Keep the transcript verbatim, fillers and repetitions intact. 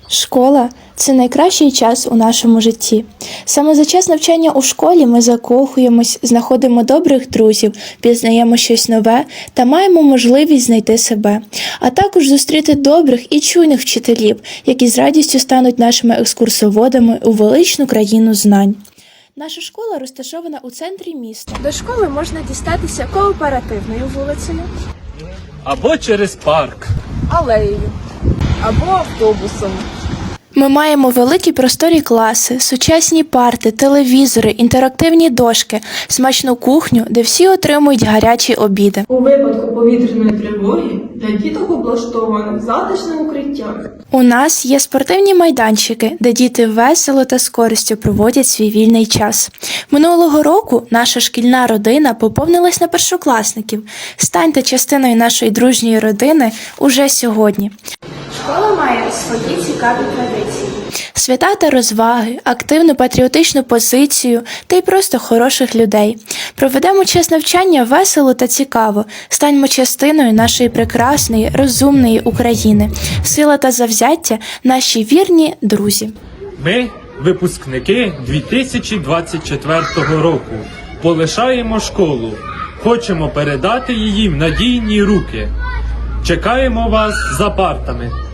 Школа – це найкращий час у нашому житті. Саме за час навчання у школі ми закохуємось, знаходимо добрих друзів, пізнаємо щось нове та маємо можливість знайти себе, а також зустріти добрих і чуйних вчителів, які з радістю стануть нашими екскурсоводами у величну країну знань. Наша школа розташована у центрі міста. До школи можна дістатися кооперативною вулицею, або через парк, алеєю, або автобусом. Ми маємо великі просторі класи, сучасні парти, телевізори, інтерактивні дошки, смачну кухню, де всі отримують гарячі обіди. У випадку повітряної тривоги для діток облаштоване затишне укриття. У нас є спортивні майданчики, де діти весело та з користю проводять свій вільний час. Минулого року наша шкільна родина поповнилась на першокласників. Станьте частиною нашої дружньої родини уже сьогодні. Школа має свої цікаві традиції. Свята та розваги, активну патріотичну позицію та й просто хороших людей. Проведемо час навчання весело та цікаво. Станьмо частиною нашої прекрасної, розумної України. Сила та завзяття – наші вірні друзі. Ми, випускники дві тисячі двадцять четвертого року, полишаємо школу. Хочемо передати її в надійні руки. Чекаємо вас за партами.